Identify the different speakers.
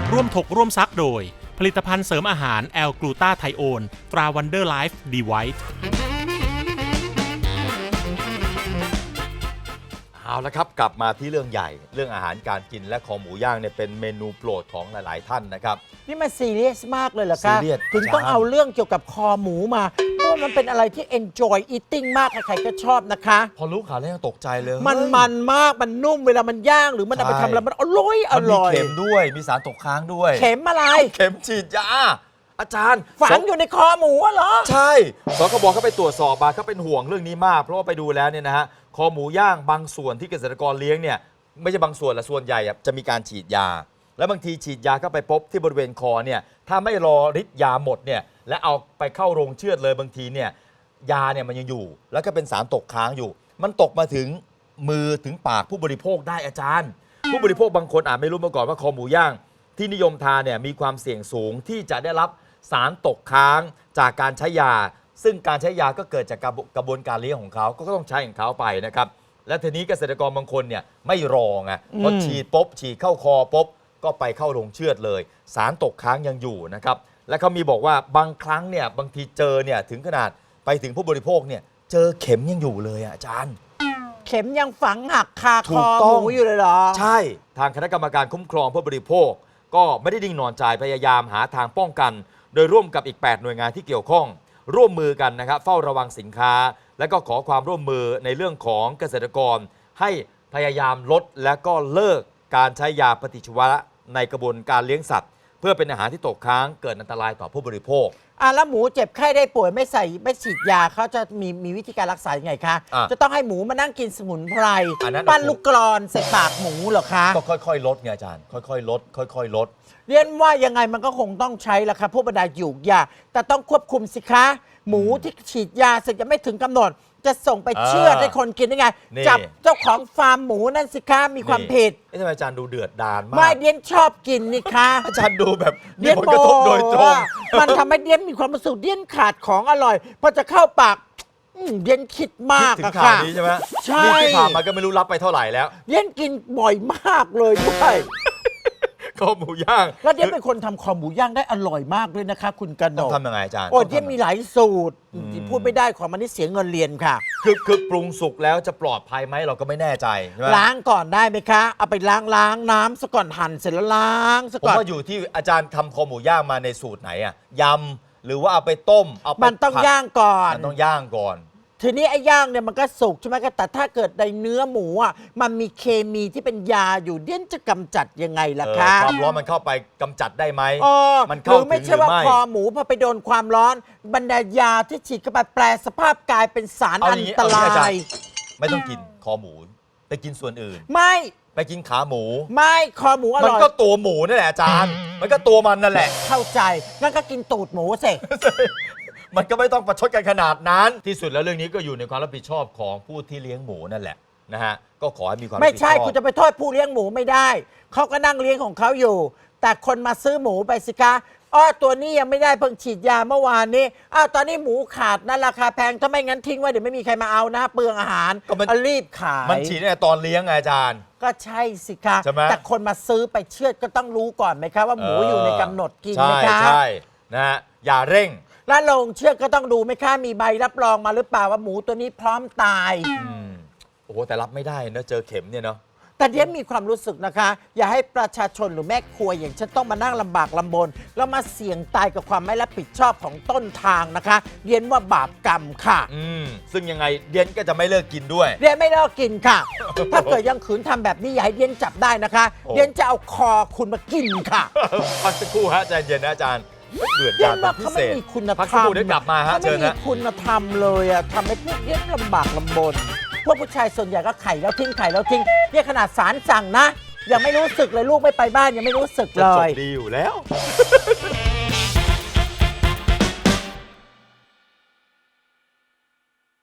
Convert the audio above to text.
Speaker 1: ร่วมถกร่วมซักโดยผลิตภัณฑ์เสริมอาหารแอลกลูตาไทโอนตราวันเดอร์ไลฟ์ดีไวท์
Speaker 2: เอาละครับกลับมาที่เรื่องใหญ่เรื่องอาหารการกินและของหมูย่างเนี่ยเป็นเมนูโปรดของหลายๆท่านนะครับ
Speaker 3: นี่มันซีเรียสมากเลยเหรอคะ
Speaker 2: ซีเรียส
Speaker 3: ถึงต้อง
Speaker 2: อาจารย์
Speaker 3: เอาเรื่องเกี่ยวกับคอหมูมาเพราะว่ามันเป็นอะไรที่ enjoy eating มากใครๆก็ชอบนะคะ
Speaker 2: พอรู้ข่าวแล้วยังตกใจเลย
Speaker 3: มัน
Speaker 2: เฮ้ย
Speaker 3: มันมากมันนุ่มเวลามันย่างหรือมันเอาไป
Speaker 2: ใช่
Speaker 3: ทำแล้วมันอร่อยอ
Speaker 2: มันมี
Speaker 3: ร่อย
Speaker 2: เข็มด้วยมีสารตกค้างด้วย
Speaker 3: เข็มอะไร
Speaker 2: เข็มฉีดยาอาจารย์
Speaker 3: ฝังอยู่ในคอหมูอะเหรอ
Speaker 2: ใช่สคบเขาไปตรวจสอบมาเขาเป็นห่วงเรื่องนี้มากเพราะว่าไปดูแล้วเนี่ยนะฮะคอหมูย่างบางส่วนที่เกษตรกรเลี้ยงเนี่ยไม่ใช่บางส่วนละส่วนใหญ่อะจะมีการฉีดยา แล้วบางทีฉีดยาเข้าไปพบที่บริเวณคอเนี่ยถ้าไม่รอฤทธิ์ยาหมดเนี่ยและเอาไปเข้าโรงเชือดเลยบางทีเนี่ยยาเนี่ยมันยังอยู่ แล้วก็เป็นสารตกค้างอยู่ มันตกมาถึงมือถึงปากผู้บริโภคได้อาจารย์ ผู้บริโภคบางคนอาจไม่รู้มาก่อนว่าคอหมูย่างที่นิยมทานเนี่ยมีความเสี่ยงสูงที่จะได้รับสารตกค้างจากการใช้ยา ซึ่งการใช้ยาก็เกิดจากกระบวนการเลี้ยงของเขาก็ต้องใช้ของเขาไปนะครับและทีนี้เกษตรกรบางคนเนี่ยไม่รอไงพอฉีดปุ๊บฉีดเข้าคอปุ๊บก็ไปเข้าโรงเชือดเลย สารตกค้างยังอยู่นะครับและเขามีบอกว่าบางครั้งเนี่ยบางทีเจอเนี่ยถึงขนาดไปถึงผู้บริโภคเนี่ยเจอเข็มยังอยู่เลยอาจารย์
Speaker 3: เข็มยังฝังหักคา
Speaker 2: ถู
Speaker 3: ค
Speaker 2: ก
Speaker 3: อ
Speaker 2: ต้
Speaker 3: ห
Speaker 2: อง
Speaker 3: มูอยู่เลยเหรอ
Speaker 2: ใช่ทางคณะกรรมการคุ้มครองผู้บริโภค ก็ไม่ได้นิ่งนอนใจพยายามหาทางป้องกัน โดยร่วมกับอีก 8 หน่วยงานที่เกี่ยวข้อง ร่วมมือกันนะครับเฝ้าระวังสินค้า และก็ขอความร่วมมือในเรื่องของเกษตรกร ให้พยายามลดและก็เลิกการใช้ยาปฏิชีวนะในกระบวนการเลี้ยงสัตว์ เพื่อเป็นอาหารที่ตกค้างเกิดอันตรายต่อผู้บริโภค
Speaker 3: แล้วหมูเจ็บไข้ได้ป่วยไม่ฉีดยาเขาจะมีวิธีการรักษายังไงคะ
Speaker 2: อ่ะ
Speaker 3: จะต้องให้หมูมานั่งกินสมุนไพร
Speaker 2: อันนั้น
Speaker 3: ปั้นลูกกรอนใส่ปากหมูเหรอคะ
Speaker 2: ก็ค่อยๆลดไงอาจารย์ค่อยๆลดค่อยๆลด
Speaker 3: เรียนว่ายังไงมันก็คงต้องใช้ละค่ะพวกบรรดาหยูกยาแต่ต้องควบคุมสิคะ หมูที่ฉีดยาเสร็จยังไม่ถึงกำหนด จะส่งไปเชือดให้คนกินได้ไง
Speaker 2: นี่
Speaker 3: จับเจ้าของฟาร์มหมูนั่นสิคะมีความผิด
Speaker 2: ทำไมอาจารย์ดูเดือดดาลมา
Speaker 3: ไม่
Speaker 2: ก
Speaker 3: เดียนชอบกินนี่คะ
Speaker 2: อาจารย์ดูแบบมี
Speaker 3: เดียน
Speaker 2: ผลกระทบโดยตรง
Speaker 3: มันทำให้เดียนมีความรู้สึกเดียนขาดของอร่อยพอจะเข้าปากเดียนคิดมาก
Speaker 2: ถึง
Speaker 3: อะ
Speaker 2: ข่าว
Speaker 3: ค่ะ
Speaker 2: นี้ใช่ไหม
Speaker 3: ใช่
Speaker 2: นี่ที่ผ่านมาก็ไม่รู้รับไปเท่าไหร่แล้ว
Speaker 3: เดียนกินบ่อยมากเลยด้วย
Speaker 2: คอหมูย่าง
Speaker 3: แล้วเดียนเป็นคนทำคอหมูย่างได้อร่อยมากด้วยนะคะ คุณกน
Speaker 2: ต้อง
Speaker 3: ก
Speaker 2: ทำยังไงอาจารย์
Speaker 3: โอ้
Speaker 2: ต้อง
Speaker 3: เดียน
Speaker 2: ทำ
Speaker 3: มีหลายสูตรที่พูดไม่ได้ของมันนี่เสียเงินเรียนค่ะ
Speaker 2: คือปรุงสุกแล้วจะปลอดภัยไหมเราก็ไม่แน่ใจใช่ไหม
Speaker 3: ล้างก่อนได้ไหมคะ เอาไปล้างน้ำซะก่อนหั่นเสร็จแล้วล้างซะ
Speaker 2: ผม
Speaker 3: ก่อน
Speaker 2: ว่าอยู่ที่อาจารย์ทำคอหมูย่างมาในสูตรไหนอะยำหรือว่าเอาไปต้มเอาไป
Speaker 3: มันต้อง
Speaker 2: ผัด
Speaker 3: ย่างก่อน
Speaker 2: มันต้องย่างก่อน
Speaker 3: ทีนี้ไอ้ย่างเนี่ยมันก็สุกใช่ไหมคะแต่ถ้าเกิดในเนื้อหมูอ่ะมันมีเคมีที่เป็นยาอยู่เดียนจะกำจัดยังไงล่ะคะ
Speaker 2: ความร้อนมันเข้าไปกำจัดได้ไหม มัน
Speaker 3: ห
Speaker 2: เข้า
Speaker 3: รือ
Speaker 2: ถึง
Speaker 3: ไม่
Speaker 2: ห
Speaker 3: ใช่
Speaker 2: รือ
Speaker 3: ว่า
Speaker 2: ไม่
Speaker 3: คอหมูพอไปโดนความร้อน บรรดายาที่ฉีดเข้าไปแปลสภาพกลายเป็นสาร
Speaker 2: เอาอ
Speaker 3: อั
Speaker 2: ย่าน งนี้
Speaker 3: ต
Speaker 2: เอาอย่าง
Speaker 3: รา
Speaker 2: นี้อาจาร
Speaker 3: ย
Speaker 2: ย์ ไม่ต้องกินคอหมู ไปกินส่วนอื่น
Speaker 3: ไม่
Speaker 2: ไปกินขาหมู
Speaker 3: ไม่คอหมูอ
Speaker 2: มัน
Speaker 3: ร่อย
Speaker 2: ก็ตัวหมูนั่นแหละอาจารย์ มันก็ตัวมันนั่นแหละ
Speaker 3: เข้าใจงั้นก็กินตูดหมูสิ
Speaker 2: มันก็ไม่ต้องประชดกันขนาดนั้น ที่สุดแล้วเรื่องนี้ก็อยู่ในความรับผิดชอบของผู้ที่เลี้ยงหมูนั่นแหละนะฮะ ก็ขอให้มีความรับ
Speaker 3: ไม่
Speaker 2: ผิดช
Speaker 3: ใช่
Speaker 2: อบ
Speaker 3: คุณจะไปโทษผู้เลี้ยงหมูไม่ได้เขาก็นั่งเลี้ยงของเขาอยู่ แต่คนมาซื้อหมูไปสิคะตัวนี้ยังไม่ได้เพิ่งฉีดยาเมื่อวานนี้ตอนนี้หมูขาดนะราคาแพงถ้าไม่งั้นทิ้งไว้เดี๋ยวไม่มีใครมาเอานะเปลืองอาหาร
Speaker 2: ก็มัน
Speaker 3: รีบขาย
Speaker 2: มันฉีดตั้งแต่ตอนเลี้ยงไงอาจารย์
Speaker 3: ก็ใช่สิคะ
Speaker 2: ใช่ไหม
Speaker 3: แต่คนมาซื้อไปเชือดก็ต้องรู้ก่อนไหมคะว่าหมูอยู่ในกำหนดกินไหม
Speaker 2: ใช่
Speaker 3: คะ
Speaker 2: ใช่นะฮะอย่าเร่ง
Speaker 3: แล้วโรงเชือดก็ต้องดูไหมคะมีใบรับรองมาหรือเปล่าว่าหมูตัวนี้พร้อมตาย
Speaker 2: โอ้โหแต่รับไม่ได้นะเจอเข็มเนี่ยเนาะ
Speaker 3: แต่เดียนมีความรู้สึกนะคะ อย่าให้ประชาชนหรือแม่ครัวอย่างฉันต้องมานั่งลำบากลำบน แล้วมาเสี่ยงตายกับความไม่รับผิดชอบของต้นทางนะคะเดียนว่าบาปกรรมค่ะ
Speaker 2: ซึ่งยังไงเดียนก็จะไม่เลิกกินด้วย
Speaker 3: เดียนไม่เลิกกินค่ะ ถ้าเกิดยังขืนทำแบบนี้อย่าให้เดียนจับได้นะคะ
Speaker 2: โอ้
Speaker 3: เดียนจะเอาคอคุณมากินค่ะ
Speaker 2: พักสักครู่ฮะใจเย็นนะอาจารย์เดือด
Speaker 3: เดีย
Speaker 2: ดาน ล
Speaker 3: ว่า
Speaker 2: เป็นพิ
Speaker 3: เขา
Speaker 2: เศ
Speaker 3: ไม่
Speaker 2: ษ
Speaker 3: มีคุณธรรม
Speaker 2: พักสักครู่เดี๋ยวกลับมาฮะ
Speaker 3: เขา
Speaker 2: เชิ
Speaker 3: ไม่
Speaker 2: ญ
Speaker 3: มี
Speaker 2: นะ
Speaker 3: คุณธรรมเลยอะทำให้พวกเดียนลำบากลำบน พวกผู้ชายส่วนใหญ่ก็ไข่แล้วทิ้งไข่แล้วทิ้งเนี่ยขนาดศาลสั่งนะยังไม่รู้สึกเลยลูกไม่ไปบ้านยังไม่รู้สึก
Speaker 2: จะ
Speaker 3: เล
Speaker 2: จบ
Speaker 3: ย
Speaker 2: ดีอยู่แล้ว